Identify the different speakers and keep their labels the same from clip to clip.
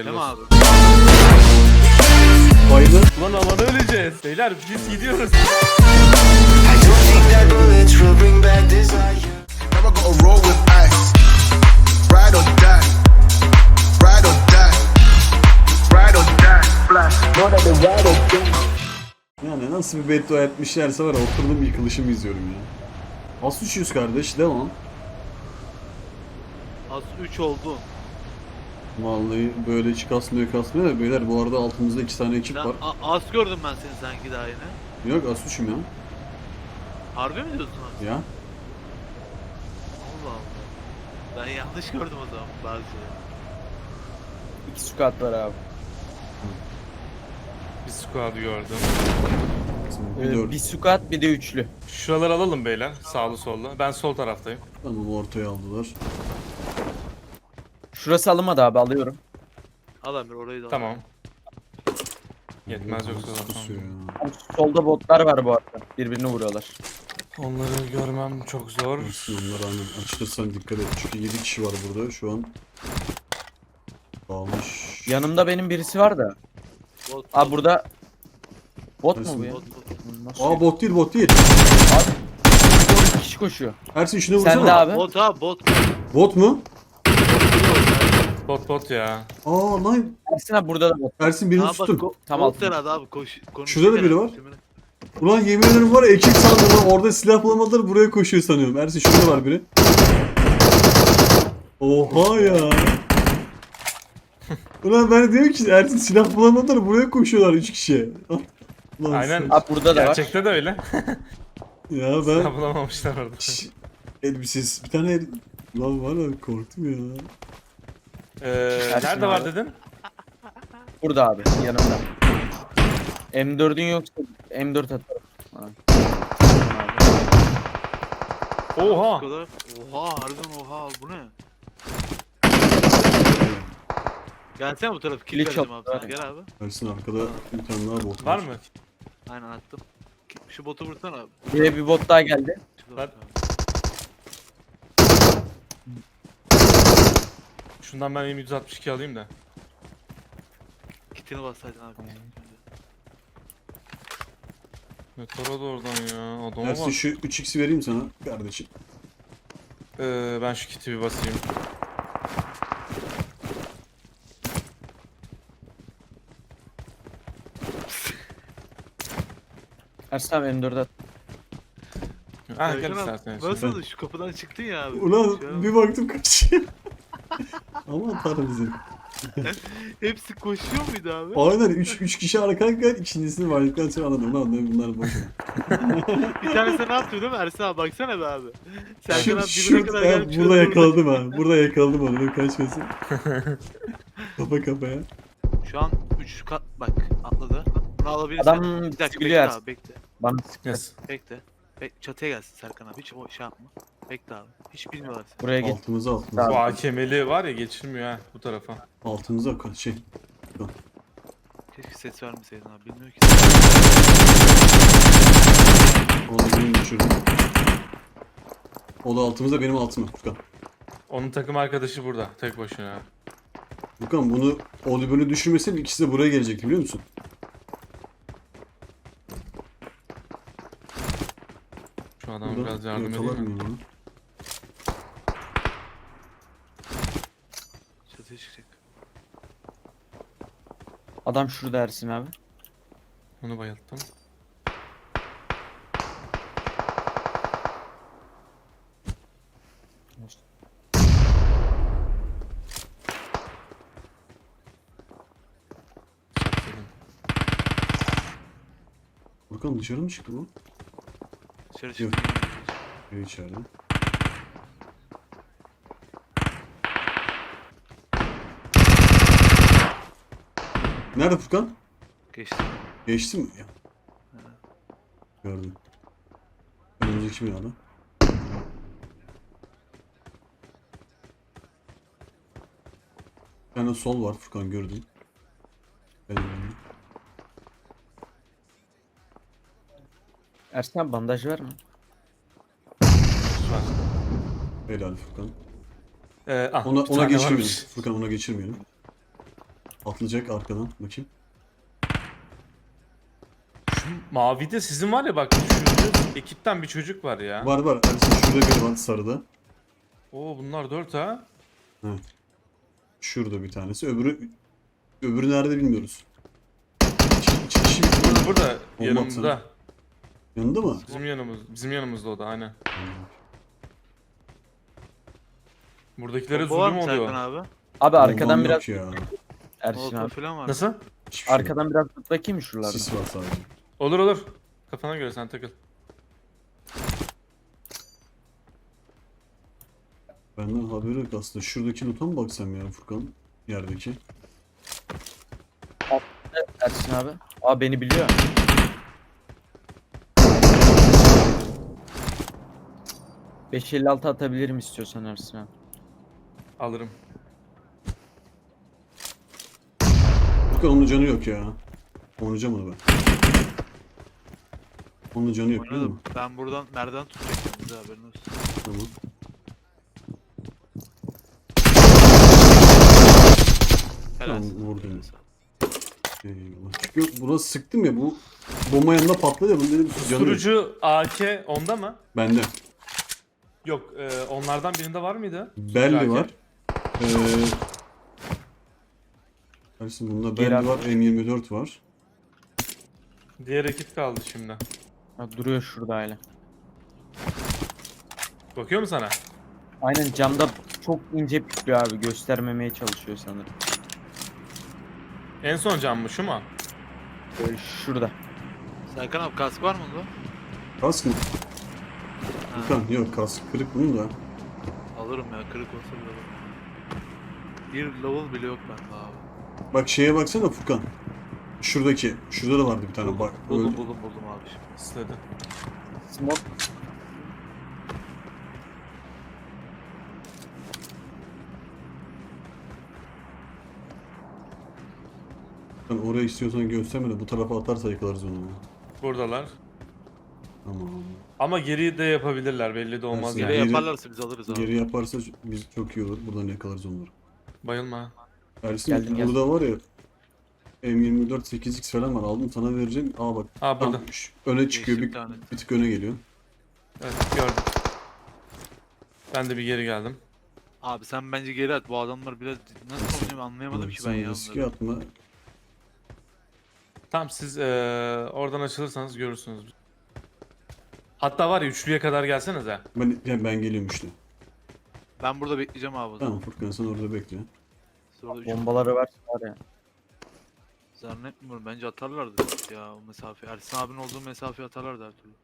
Speaker 1: Hayırlı
Speaker 2: Değil mi
Speaker 1: olsun.
Speaker 2: abi?
Speaker 3: Bayılır.
Speaker 1: Ulan alana öleceğiz. Beyler biz gidiyoruz.
Speaker 4: I don't think that bullets will bring back desire.
Speaker 5: Never gotta roll with ice. Ride or die. Ride or die. Ride or die. Flash.
Speaker 3: Yani nasıl bir beddua etmişlerse var ya, oturdum yıkılışımı izliyorum ya. Az düşüyoruz kardeş, devam.
Speaker 2: Az 3 oldu.
Speaker 3: Vallahi böyle hiç kasmıyor da beyler, bu arada altımızda 2 tane ekip
Speaker 2: Ben
Speaker 3: var.
Speaker 2: az gördüm ben seni sanki daha yine.
Speaker 3: Yok, az düşüm ya.
Speaker 2: Harbi mi diyorsun abi?
Speaker 3: Ya.
Speaker 2: Allah Allah. Ben yanlış gördüm o zaman bazı şeyleri.
Speaker 6: 2 squad var abi.
Speaker 1: Bir squad gördüm.
Speaker 3: Bir dört.
Speaker 6: Bir squad bir de üçlü.
Speaker 1: Şuraları alalım beyler. Sağlı sollu. Ben sol taraftayım.
Speaker 3: Tamam, ortaya aldılar.
Speaker 6: Şurası alınmadı abi, alıyorum.
Speaker 2: Al Emir orayı da al.
Speaker 1: Tamam. Yetmez yoksa
Speaker 3: Nasıl kusuyor
Speaker 1: zaten.
Speaker 3: ya.
Speaker 6: Solda botlar var bu arada. Birbirini vuruyorlar.
Speaker 1: Onları görmem çok zor.
Speaker 3: Olsun, onlar aynen. Açılırsan dikkat et. Çünkü 7 kişi var burada şu an. Dağılmış.
Speaker 6: Yanımda benim birisi var da.
Speaker 2: Bot,
Speaker 6: Abi burada bot mu
Speaker 3: Nasıl
Speaker 6: bu ya?
Speaker 2: bot, bot.
Speaker 6: Nasıl?
Speaker 3: Aa, bot değil, bot değil.
Speaker 6: Doğru, 2 kişi koşuyor.
Speaker 3: Ersin şunu vursana.
Speaker 6: Sen de abi.
Speaker 2: Bot abi bot.
Speaker 3: Bot mu?
Speaker 1: Bot ya.
Speaker 3: Aa lan.
Speaker 6: Ersin abi burada da bot.
Speaker 3: Ersin birini
Speaker 2: Aa, bak,
Speaker 3: tuttum.
Speaker 6: Tamam.
Speaker 2: Bot herhalde abi konuşuyor
Speaker 3: Şurada da biri
Speaker 2: herhalde.
Speaker 3: var. Ulan yemin ederim var ya, ekip sandım lan. Orada silah bulamadılar, buraya koşuyor sanıyorum. Ersin şurada var biri. Oha ya. Ulan ben diyorum ki Ersin silah bulamadılar, buraya koşuyorlar 3 kişi. Lan
Speaker 1: Aynen.
Speaker 3: sen-
Speaker 6: Abi burada da var.
Speaker 1: Gerçekte de öyle.
Speaker 3: Ya ben
Speaker 1: Silah bulamamışlar orada.
Speaker 3: elbisiz bir tane lan var ya, korktum ya.
Speaker 1: Nerede var dedin?
Speaker 6: Burada abi yanımda. M4'ün yoksa M4 atarım. Ha.
Speaker 1: Oha.
Speaker 2: Oha harbiden oha bu ne? Gelsene bu tarafa kill
Speaker 6: Glitch
Speaker 2: vereceğim abi
Speaker 6: oldu,
Speaker 2: sana
Speaker 6: abi.
Speaker 2: gel abi.
Speaker 3: Ersin arkada bir tane daha bot
Speaker 1: Var mı?
Speaker 2: Aynen attım. Şu botu vursana abi.
Speaker 6: Buraya bir bot daha geldi.
Speaker 2: Şu
Speaker 1: Lan.
Speaker 2: botu.
Speaker 1: Şundan ben M162 alayım da.
Speaker 2: Kitini bassaydın abi.
Speaker 1: Tara da oradan ya. Adama
Speaker 3: Ersin
Speaker 1: bak.
Speaker 3: şu 3x'i vereyim sana kardeşim.
Speaker 1: Ben şu kiti bir basayım.
Speaker 6: Ersin abi M4 at.
Speaker 1: Ah gel
Speaker 2: Serkan abi,
Speaker 1: isterseniz.
Speaker 2: nasıl şu kapıdan çıktın ya abi.
Speaker 3: Ulan
Speaker 2: Şu an
Speaker 3: bir baktım kaçıyor. Aman tanrım bizim.
Speaker 2: hepsi koşuyor muydu abi?
Speaker 3: Aynen 3 kişi arkadaşlar, ikincisini vardıktan sonra anladım lan bunlar boş.
Speaker 2: Bir tanesi ne yaptı değil mi Ersin abi baksana be abi. Serkan
Speaker 3: Şu,
Speaker 2: abi dibine
Speaker 3: şurada
Speaker 2: kadar gelmiş.
Speaker 3: burada yakaladım ha. Burada yakaladım onu. Dur kaçmasın. Kafa kafaya.
Speaker 2: Şu an 3 kat bak atladı. Bunu alabilirsin.
Speaker 6: Adam
Speaker 2: bir dakika bekle
Speaker 6: biliyor
Speaker 2: abi bekle.
Speaker 6: Bana
Speaker 1: Yes.
Speaker 2: Bekle. Çatıya gelsin Serkan abi hiç o şey yapma. Bekle abi. Hiç bilmiyorlar seni.
Speaker 6: buraya git.
Speaker 3: Altımıza
Speaker 1: Bu
Speaker 3: altımıza.
Speaker 1: AKM'li var ya geçirmiyor ha bu tarafa.
Speaker 3: Altımıza şey.
Speaker 2: Keşke ses vermeseydin abi bilmiyor ki.
Speaker 3: Onu da benim düşürdüm. O da altımızda, benim altıma. Furkan.
Speaker 1: Onun takım arkadaşı burada tek başına.
Speaker 3: Furkan bunu Oliver'ı düşürmesin, ikisi de buraya gelecekti biliyor musun?
Speaker 1: Şu adama
Speaker 3: Burada
Speaker 1: biraz yardım edeyim
Speaker 3: yakalarım
Speaker 1: mi?
Speaker 3: ya.
Speaker 2: Çatıya çıkacak.
Speaker 6: Adam şurada Ersin abi.
Speaker 1: Onu bayılttım. Dedim.
Speaker 3: Furkan dışarı mı çıktı bu?
Speaker 2: Dışarı
Speaker 3: Yok.
Speaker 2: çıktı.
Speaker 3: Evet, içeride. Nerede Furkan?
Speaker 2: Geçti.
Speaker 3: Geçti mi? Ya. Gördüm. Önümüzdeki binada. Bir tane sol var Furkan, gördüm. Benim önümde.
Speaker 6: Ersin abi bandaj var mı?
Speaker 1: Var.
Speaker 3: Helal Furkan.
Speaker 1: Bir
Speaker 3: Ona
Speaker 1: tane
Speaker 3: geçirmeyelim.
Speaker 1: varmış.
Speaker 3: Furkan ona geçirmeyelim. Atlayacak arkadan. Bakayım.
Speaker 1: Mavide sizin var ya bak şu ekipten bir çocuk var ya.
Speaker 3: Var var. Ersin şurada biri var sarıda.
Speaker 1: Oo bunlar 4 ha.
Speaker 3: Şurada bir tanesi. Öbürü nerede bilmiyoruz. İki kişi
Speaker 1: Burada
Speaker 3: Bomba
Speaker 1: yanımızda.
Speaker 3: atsana. Yanında mı?
Speaker 1: Bizim yanımızda o da aynen. Buradakilere
Speaker 2: Bomba var
Speaker 1: zulüm
Speaker 2: mı Serkan
Speaker 1: oluyor.
Speaker 2: abi?
Speaker 6: Abi arkadan
Speaker 3: Bombam
Speaker 6: biraz
Speaker 3: yok ya.
Speaker 6: Ersin
Speaker 2: Molotov
Speaker 6: abi.
Speaker 2: falan var.
Speaker 1: Nasıl?
Speaker 3: Hiçbir şey yok.
Speaker 6: Arkadan biraz tut bakayım mı şuralarda?
Speaker 3: Sis var sadece.
Speaker 1: Olur olur. Kafana göre sen takıl.
Speaker 3: Benden haberi yok aslında. Şuradaki loot'a mı baksam ya Furkan? Yerdeki.
Speaker 6: Ersin abi. Aa beni biliyor. ...556 atabilirim istiyorsan Ersin abi.
Speaker 1: Alırım.
Speaker 3: Furkan onun canı yok ya. Oynayacağım onu ben. Onun canı yok değil mi?
Speaker 2: Oynadım. Ben buradan nereden tutacaktım bize haberin olsun.
Speaker 3: Tamam.
Speaker 2: Helal.
Speaker 3: Tamam, vurdum. Eyvallah. Çünkü buna sıktım ya bu bomba yanında patladı ya bunun dedim canı yok.
Speaker 1: Susturucu AK onda mı?
Speaker 3: Bende.
Speaker 1: Yok onlardan birinde var mıydı?
Speaker 3: Belli
Speaker 1: AK.
Speaker 3: var. Ersin bunda
Speaker 6: Geri
Speaker 3: belli var. M24 var.
Speaker 1: Diğer ekip kaldı şimdi.
Speaker 6: Ha, duruyor şurada hala.
Speaker 1: Bakıyor mu sana?
Speaker 6: Aynen camda çok ince pikliyor abi. Göstermemeye çalışıyor sanırım.
Speaker 1: En son cam mı şu mu?
Speaker 6: Böyle şurada.
Speaker 2: Serkan abi kask var mı onda?
Speaker 3: Kask mı?
Speaker 2: Ha,
Speaker 3: Furkan yok kask kırık bunun da.
Speaker 2: alırım ya kırık olsa bile alırım. Bir level bile yok bende abi.
Speaker 3: Bak şeye baksana Furkan. Şuradaki. Şurada da vardı bir tane. Bak.
Speaker 2: Buldum
Speaker 3: öyle-
Speaker 2: buldum buldum abi şimdi.
Speaker 1: İstedi.
Speaker 6: Smoke.
Speaker 3: Sen oraya istiyorsan gösterme de bu tarafa atarsa yakalarız onu.
Speaker 1: Buradalar.
Speaker 3: Tamam.
Speaker 1: Ama geri de yapabilirler belli de olmaz
Speaker 3: Ersin,
Speaker 2: Geri
Speaker 1: yani.
Speaker 2: yaparlarsa biz alırız abi.
Speaker 3: Geri yaparsa biz çok iyi olur. Buradan yakalarız onları.
Speaker 1: Bayılma.
Speaker 3: Ersin
Speaker 6: Geldim, geldim.
Speaker 3: burada var ya M24 8x falan var. Aldım sana vereceğim. Aa bak.
Speaker 1: Ha burada.
Speaker 3: tam öne çıkıyor.
Speaker 2: Geçti
Speaker 3: Bir,
Speaker 2: bir tane.
Speaker 3: bir tık öne geliyor.
Speaker 1: Evet gördüm. Ben de bir geri geldim.
Speaker 2: Abi sen bence geri at. Bu adamlar biraz nasıl oynuyor anlayamadım ki ben
Speaker 3: Sen
Speaker 2: ya.
Speaker 3: riske
Speaker 2: onları.
Speaker 3: atma.
Speaker 1: Tamam siz oradan açılırsanız görürsünüz. Hatta var ya üçlüye kadar gelsenize.
Speaker 3: Ben geliyorum işte.
Speaker 2: Ben burada bekleyeceğim abi o zaman.
Speaker 3: Tamam Furkan sen orada bekle.
Speaker 2: Siz orada üç-
Speaker 6: Bombaları var ya.
Speaker 2: Zannetmiyorum. Bence atarlardı ya o mesafe. Ersin abinin olduğu mesafeyi atarlardı her türlü.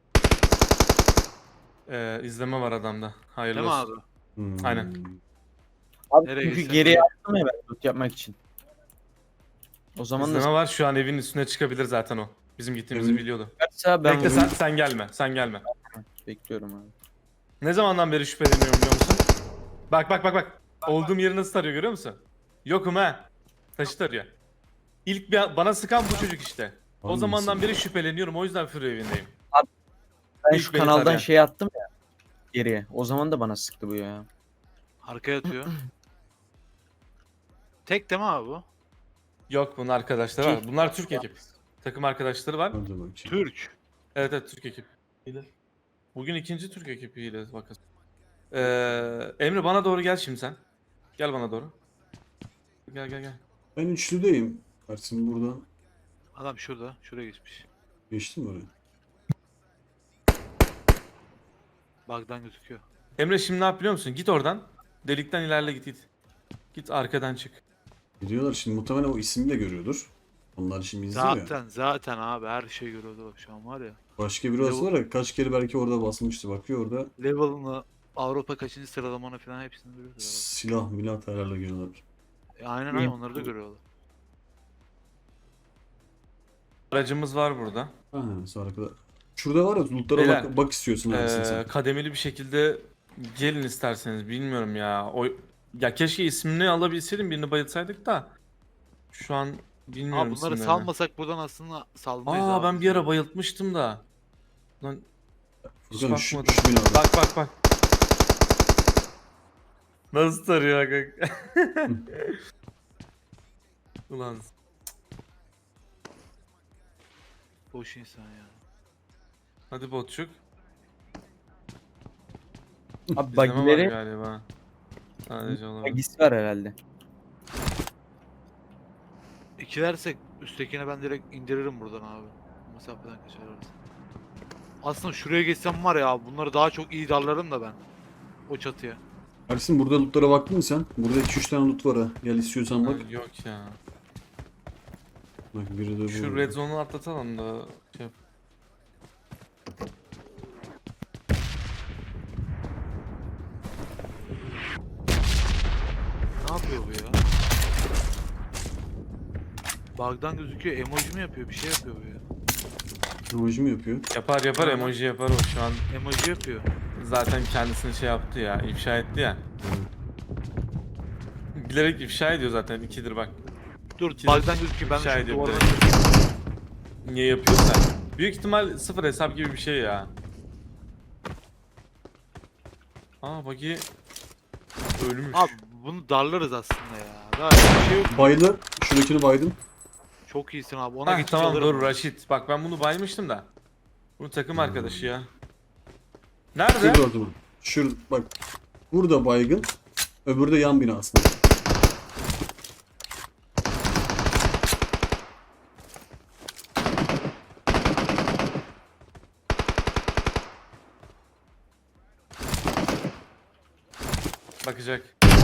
Speaker 1: İzleme var adamda. Hayırlı
Speaker 2: Değil mi
Speaker 1: olsun.
Speaker 2: abi?
Speaker 1: Aynen.
Speaker 6: Abi
Speaker 2: Nereye
Speaker 6: çünkü
Speaker 2: gitsek
Speaker 6: geriye
Speaker 2: öyle.
Speaker 6: attım ya ben loot yapmak için. O zaman
Speaker 1: İzleme
Speaker 6: da
Speaker 1: var şu an evin üstüne çıkabilir zaten o. Bizim gittiğimizi
Speaker 3: Evet.
Speaker 1: biliyordu.
Speaker 6: sıkarsa ben
Speaker 1: Bekle sen gelme. Sen gelme.
Speaker 6: bekliyorum abi.
Speaker 1: Ne zamandan beri şüpheleniyorum biliyor musun? Bak. Olduğum yeri nasıl tarıyor görüyor musun? Yokum ha. Taşı tarıyor. İlk bana sıkan bu çocuk işte. O
Speaker 3: Hangisi?
Speaker 1: zamandan beri şüpheleniyorum. O yüzden Fury evindeyim.
Speaker 6: Ben
Speaker 1: İlk
Speaker 6: şu
Speaker 1: beni
Speaker 6: kanaldan
Speaker 1: tarayan.
Speaker 6: şey attım ya. Geriye. O zaman da bana sıktı bu ya.
Speaker 2: Arkaya atıyor. Tek değil mi abi bu?
Speaker 1: Yok bunun arkadaşları var. Bunlar Türk ekip. Takım arkadaşları var.
Speaker 3: Hadi bakayım.
Speaker 2: Türk.
Speaker 1: Evet Türk ekip. Bugün ikinci Türk ekibiyle bakın. Emre bana doğru gel şimdi sen. Gel bana doğru. Gel.
Speaker 3: Ben üçlüdeyim. Ersin buradan.
Speaker 2: Adam şurada. Şuraya geçmiş.
Speaker 3: Geçtin mi oraya?
Speaker 2: Bug'dan gözüküyor.
Speaker 1: Emre şimdi ne yap biliyor musun? Git oradan. Delikten ilerle git. Git arkadan çık.
Speaker 3: Gidiyorlar şimdi muhtemelen o ismi de görüyordur. Onlar şimdi izliyor ya.
Speaker 2: Zaten abi her şey görüyordu bak şu an var ya.
Speaker 3: Başka biri olsa var ya kaç kere belki orada basmıştı. Bakıyor orada
Speaker 2: Level'ını, Avrupa kaçıncı sıralamanı falan hepsini görüyordu. abi.
Speaker 3: silah milah terörle geliyorlar.
Speaker 2: Aynen onları da görüyorlar.
Speaker 1: Aracımız var burada.
Speaker 3: Ha, sonra kadar. Şurada var ya lootlara
Speaker 1: Beyler,
Speaker 3: bak istiyorsun Ersin sen.
Speaker 1: Kademeli bir şekilde gelin isterseniz bilmiyorum ya. Ya keşke ismini alabilseydim birini bayılsaydık da. Şu an bilmiyorum
Speaker 2: Abi bunları
Speaker 1: isimlerini.
Speaker 2: salmasak buradan aslında salmayız abi.
Speaker 1: Ben bir ara bayıltmıştım da. Lan hiç
Speaker 3: Furkan şu
Speaker 1: bakmadım.
Speaker 3: binada.
Speaker 1: Bak. Nasıl tarıyor kanka? Ulan
Speaker 2: Boş insan ya.
Speaker 1: hadi botçuk.
Speaker 6: Abi
Speaker 1: Bizde mi var
Speaker 6: bagileri
Speaker 1: galiba? Sadece olabilir.
Speaker 6: bagisi var herhalde.
Speaker 2: İkilersek üsttekine ben direkt indiririm buradan abi. Bu mesafeden kaçarız. Aslında şuraya geçsem var ya bunları daha çok iyi darlarım da ben. O çatıya.
Speaker 3: Ersin burada lootlara baktın mı sen? Burada 2-3 tane loot var ha. Gel istiyorsan bak.
Speaker 1: Ha, yok ya.
Speaker 3: Bak biri de
Speaker 1: Şu
Speaker 3: bu.
Speaker 1: red zone'u atlatalım da şey yap.
Speaker 2: Ne yapıyor bu ya? Bug'dan gözüküyor. Emoji mi yapıyor? Bir şey yapıyor bu ya.
Speaker 3: Emoji mi yapıyor?
Speaker 1: Yapar yapar emoji yapar o şu an.
Speaker 2: Emoji yapıyor.
Speaker 1: Zaten kendisini şey yaptı ya, ifşa etti ya. Bilerek ifşa ediyor zaten ikidir bak.
Speaker 2: Dur
Speaker 1: İki
Speaker 2: bug'dan gözüküyor. Ben
Speaker 1: ifşa
Speaker 2: şu
Speaker 1: ediyor
Speaker 2: duvardan
Speaker 1: bilerek. Niye yapıyorsa. Büyük ihtimal sıfır hesap gibi bir şey ya. Aa bagi ölmüş.
Speaker 2: Abi bunu darlarız aslında ya. Daha bir şey yok.
Speaker 3: Baylı. Şuradakini baydım.
Speaker 2: Çok iyisin abi. Ona
Speaker 1: Hah,
Speaker 2: geçiş
Speaker 1: tamam
Speaker 2: alırım.
Speaker 1: dur Raşit. Bak ben bunu baymıştım da. Bunun takım arkadaşı ya. Nerede?
Speaker 3: Şurada o zaman. Şur bak. Burada baygın. Öbürü de yan bina aslında.
Speaker 1: Bakacak.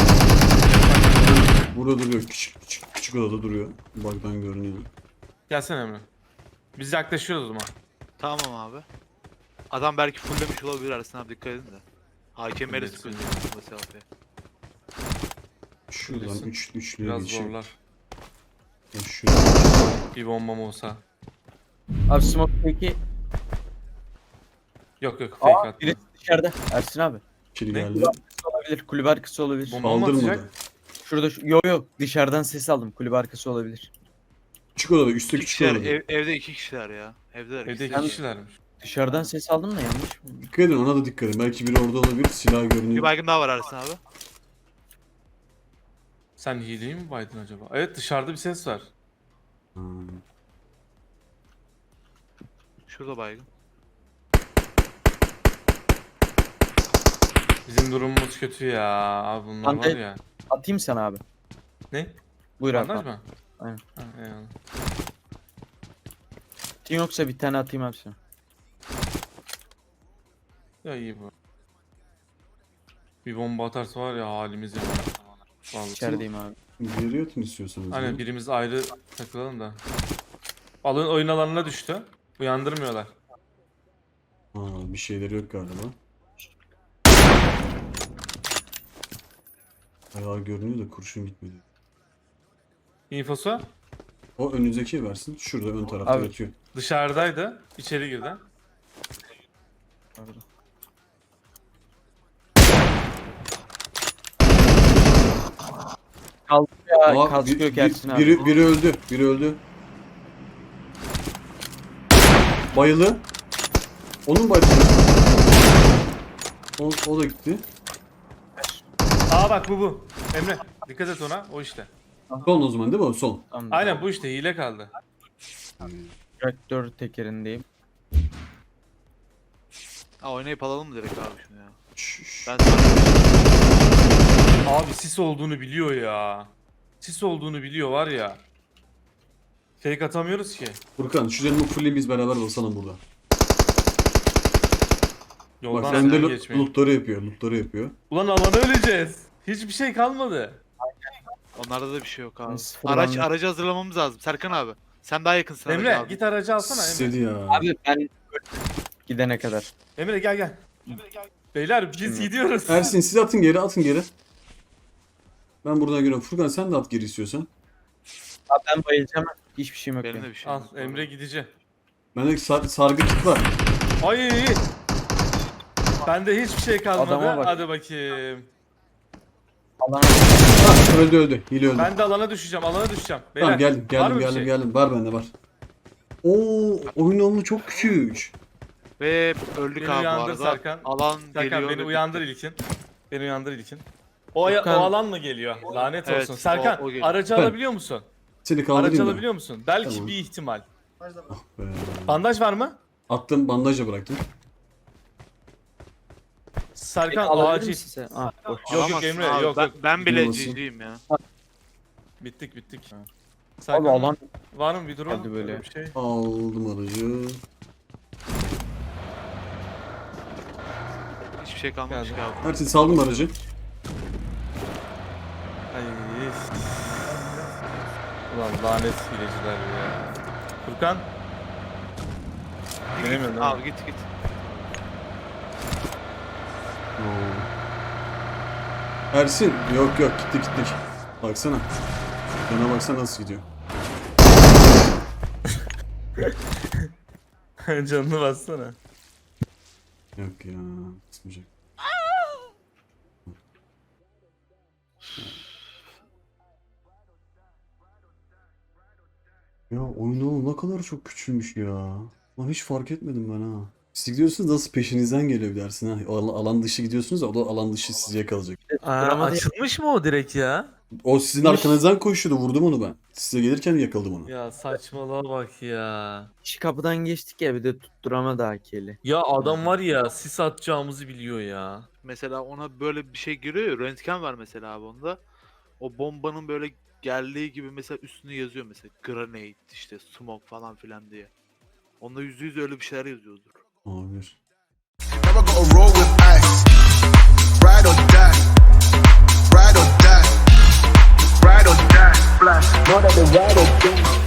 Speaker 3: Burada duruyor. Küçük odada duruyor. Bug'dan görünüyor.
Speaker 1: Gelsene Emre. Biz yaklaşıyoruz o zaman.
Speaker 2: Tamam abi. Adam belki fulllemiş olabilir Ersin abi dikkat edin de. AKM'leri
Speaker 1: Fullesin
Speaker 2: sıkıyor
Speaker 1: ya.
Speaker 2: bu mesafeye.
Speaker 3: Şuradan
Speaker 1: Bilirsin.
Speaker 3: üçlüye
Speaker 1: Biraz
Speaker 3: geçeyim.
Speaker 1: zorlar.
Speaker 3: Şurada.
Speaker 1: Bir bombam olsa.
Speaker 6: Abi smoke peki.
Speaker 1: Yok yok fake atma.
Speaker 6: Birisi dışarıda. Ersin abi.
Speaker 3: İçeri
Speaker 1: Ne?
Speaker 3: geldi.
Speaker 6: Olabilir. Kulübe arkası olabilir.
Speaker 1: Bomba mı
Speaker 3: Kaldırmadı.
Speaker 1: atacak?
Speaker 6: Şurada yok dışarıdan ses aldım. Kulübe arkası olabilir.
Speaker 3: Küçük odada. Üstte
Speaker 2: İki
Speaker 3: küçük
Speaker 2: kişiler,
Speaker 3: odada.
Speaker 2: evde iki kişiler ya. Evdeler
Speaker 1: Evde
Speaker 2: ikisi.
Speaker 1: iki kişilermiş.
Speaker 6: Dışarıdan ses aldım da yanlış mı?
Speaker 3: Dikkat edin ona da dikkat edin. Belki biri orada olabilir. Silah
Speaker 2: Bir
Speaker 3: görünüyor.
Speaker 2: baygın daha var Ersin abi.
Speaker 1: Sen hileyi mi baydın acaba? Evet dışarıda bir ses var.
Speaker 3: Hmm.
Speaker 2: Şurada baygın.
Speaker 1: Bizim durumumuz kötü ya. Abi bunlar var
Speaker 6: Bandaj-
Speaker 1: ya.
Speaker 6: Atayım sana abi.
Speaker 1: Ne?
Speaker 6: Buyur abi.
Speaker 1: Bandaj mı?
Speaker 6: Aynen.
Speaker 1: Ha, eyvallah.
Speaker 6: Atayım yoksa bir tane atayım abi sana.
Speaker 1: Ya iyi bu. Bir bomba atarsa var ya halimiz ya. Vallahi.
Speaker 6: İçerideyim abi.
Speaker 3: Geri yatın istiyorsanız.
Speaker 1: Aynen
Speaker 3: ya.
Speaker 1: birimiz ayrı takılalım da. Alın oyun alanına düştü. Uyandırmıyorlar.
Speaker 3: Bir şeyleri yok galiba. Ayağı görünüyor da kurşun gitmedi.
Speaker 1: İnfosu
Speaker 3: O önünüzdeki versin. Şurada ön tarafta
Speaker 6: Abi.
Speaker 3: yatıyor.
Speaker 1: dışarıdaydı. İçeri girdi.
Speaker 6: Orada. Kaldı ya.
Speaker 3: Aa,
Speaker 6: Kask yok Ersin abi.
Speaker 3: biri öldü. Biri öldü. Bayılı. Onun bayılı. O da gitti.
Speaker 1: Aa bak bu. Emre dikkat et ona. O işte.
Speaker 3: Son o zaman değil mi o? Son.
Speaker 6: Tamam.
Speaker 1: Aynen bu işte hile kaldı.
Speaker 6: Traktör tekerindeyim.
Speaker 2: Ha oynayıp alalım mı direkt abi şunu ya?
Speaker 3: Şşş.
Speaker 2: Ben
Speaker 1: Abi sis olduğunu biliyor ya. Sis olduğunu biliyor var ya. Fake atamıyoruz ki.
Speaker 3: Furkan şu canımı fulli biz beraber basalım burada.
Speaker 1: Yoldan
Speaker 3: Bak sen de
Speaker 1: sen geçmeyin.
Speaker 3: lootları yapıyor. Lootları yapıyor.
Speaker 1: Ulan alana öleceğiz. Hiçbir şey kalmadı.
Speaker 2: onlarda da bir şey yok abi.
Speaker 6: Sıfır
Speaker 2: Araç
Speaker 6: anlık.
Speaker 2: aracı hazırlamamız lazım. Serkan abi. Sen daha yakınsın araca
Speaker 1: Emre
Speaker 2: abi.
Speaker 1: git aracı alsana Emre.
Speaker 3: İstedi ya.
Speaker 6: Abi ben gidene kadar.
Speaker 1: Emre gel gel. Beyler biz gidiyoruz.
Speaker 3: Ersin siz atın geri atın geri. Ben buradan giriyorum. Furkan sen de at geri istiyorsan.
Speaker 6: Abi ben bayılacağım. Hiçbir şeyim yok.
Speaker 2: Benim
Speaker 6: benim.
Speaker 2: de bir şey
Speaker 1: Al
Speaker 2: yok.
Speaker 1: Emre gidici.
Speaker 3: Bende sargı kit var.
Speaker 1: Ay. Bende hiçbir şey kalmadı.
Speaker 6: Adama bak.
Speaker 1: Hadi bakayım.
Speaker 6: Alana
Speaker 3: Ha, öldü. Hile öldü.
Speaker 1: Ben de alana düşeceğim. Alana düşeceğim. Beyler,
Speaker 3: Tamam geldim
Speaker 1: var mı bir
Speaker 3: geldim
Speaker 1: şey?
Speaker 3: geldim. Var bende var. Oo oyun alanı çok küçük.
Speaker 2: Ve öldük
Speaker 1: Beni
Speaker 2: abi bu
Speaker 1: uyandır
Speaker 2: arada.
Speaker 1: Serkan.
Speaker 2: Alan
Speaker 1: Serkan
Speaker 2: geliyor.
Speaker 1: beni
Speaker 2: ve
Speaker 1: uyandır
Speaker 2: bitti.
Speaker 1: ilkin. Beni uyandır ilkin. O
Speaker 6: Furkan-
Speaker 1: alan mı geliyor? Lanet
Speaker 2: Evet,
Speaker 1: olsun. Serkan
Speaker 2: o geliyor.
Speaker 1: aracı
Speaker 3: Ben-
Speaker 1: alabiliyor musun?
Speaker 3: Seni
Speaker 1: Araç
Speaker 3: kaldırayım da.
Speaker 1: alabiliyor musun? Belki
Speaker 3: Tamam.
Speaker 1: bir ihtimal.
Speaker 3: Be.
Speaker 1: Bandaj var mı?
Speaker 3: Attım bandajla bıraktım.
Speaker 1: Serkan
Speaker 6: Alabilir
Speaker 1: acil.
Speaker 6: misin sen? Ah, boş.
Speaker 1: Yok,
Speaker 2: Alamazsın
Speaker 1: Emre,
Speaker 2: abi.
Speaker 1: yok,
Speaker 2: ben,
Speaker 1: yok.
Speaker 2: ben bile
Speaker 3: Nasıl?
Speaker 2: GG'yim ya.
Speaker 1: Bittik.
Speaker 6: Abi
Speaker 1: Serkan
Speaker 6: alan
Speaker 1: var mı bir durum?
Speaker 6: Geldi böyle.
Speaker 1: Bir şey.
Speaker 3: Aldım aracı.
Speaker 2: Hiçbir şey kalmamış
Speaker 1: Geldi.
Speaker 2: ki abi.
Speaker 3: Ersin saldım aracı.
Speaker 1: Ay. Ulan lanet hileciler ya. Furkan.
Speaker 2: Git,
Speaker 1: Bilemiyorum
Speaker 2: git,
Speaker 1: lan.
Speaker 2: abi git.
Speaker 3: Ersin yok gittik. Baksana. Yana baksana nasıl gidiyor.
Speaker 1: Canını bassana.
Speaker 3: Yok ya. Kısmayacak. Ya oyunu ne kadar çok küçülmüş ya. Lan hiç fark etmedim ben ha. Siz gidiyorsunuz nasıl peşinizden geliyor dersin ha. Alan dışı gidiyorsunuz ya o da alan dışı sizi yakalayacak.
Speaker 1: Açılmış mı o direkt ya?
Speaker 3: O sizin arkanızdan koşuyordu vurdum onu ben. Size gelirken yakaladım onu.
Speaker 1: Ya saçmalığa bak ya.
Speaker 6: kişi kapıdan geçtik ya bir de tutturamadı AK'li.
Speaker 1: Ya adam var ya sis atacağımızı biliyor ya.
Speaker 2: Mesela ona böyle bir şey giriyor ya. Röntgen var mesela abi onda. O bombanın böyle geldiği gibi mesela üstüne yazıyor mesela. Grenade işte smoke falan filan diye. Onda %100 öyle bir şeyler yazıyordur.
Speaker 3: Olabilir.
Speaker 5: Never gonna roll with ice. Ride or die. Ride or die. Ride or die. Flash. Know that the ride or die.